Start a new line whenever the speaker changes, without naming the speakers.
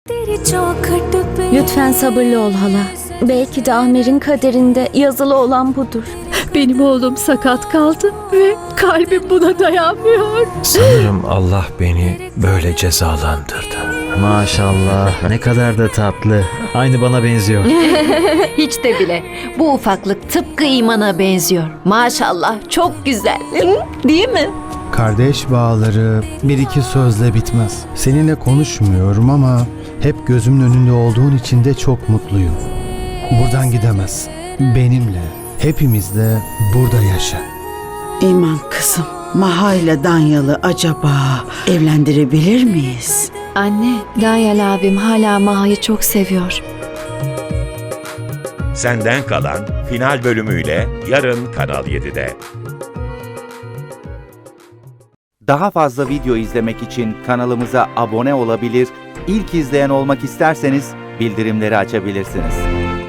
Lütfen sabırlı ol hala. Belki de Amer'in kaderinde yazılı olan budur.
Benim oğlum sakat kaldı ve kalbim buna dayanmıyor.
Sanırım Allah beni böyle cezalandırdı.
Maşallah, ne kadar da tatlı. Aynı bana benziyor.
Hiç de bile. Bu ufaklık tıpkı imana benziyor. Maşallah çok güzel. Değil mi?
Kardeş bağları bir iki sözle bitmez. Seninle konuşmuyorum ama hep gözümün önünde olduğun için de çok mutluyum. Buradan gidemezsin. Benimle, hepimizle burada yaşa.
İman kızım, Maha ile Danyalı acaba evlendirebilir miyiz?
Anne, Danyal abim hala Maha'yı çok seviyor.
Senden Kalan final bölümüyle yarın Kanal 7'de.
Daha fazla video izlemek için kanalımıza abone olabilir, ilk izleyen olmak isterseniz bildirimleri açabilirsiniz.